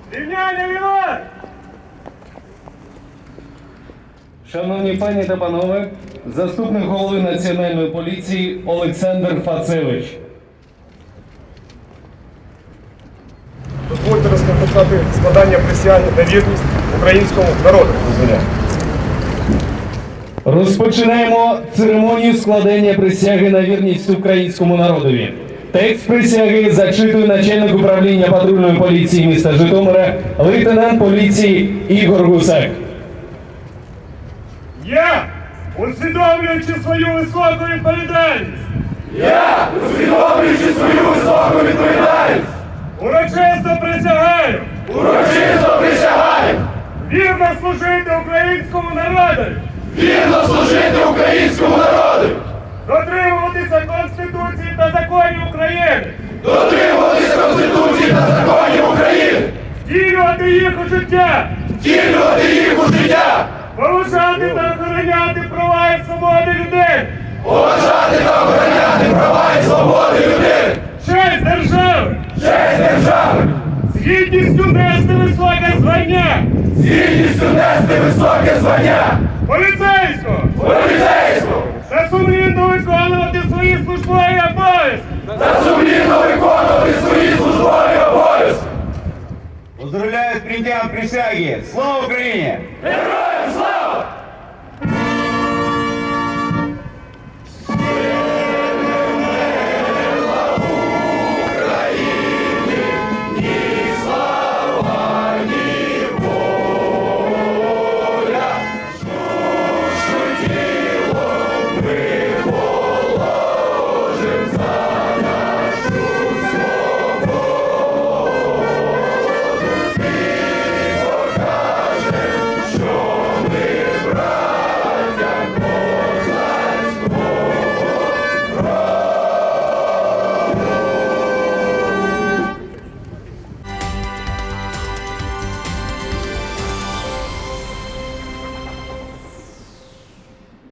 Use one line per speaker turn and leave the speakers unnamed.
Рівняння віват!
Шановні пані та панове, заступник голови Національної поліції Олександр Фацевич.
Дозвольте розпочати складання присяги на вірність українському народу.
Розпочинаємо церемонію складення присяги на вірність українському народові. Текст присяги зачитує начальник управління патрульної поліції міста Житомира, лейтенант поліції Ігор Гусак.
Я, усвідомлюючи свою високу відповідальність, урочисто присягаю вірно служити українському народу, дотримуватися Конституції та законів України, втілювати їх у життя, поважати та охороняти права і свободи людей, честь держави, з гідністю нести високе звання, поліцейського, та сумлінно виконувати свої службові обов'язки.
Поздравляю с принятием присяги! Слава Украине!
Героям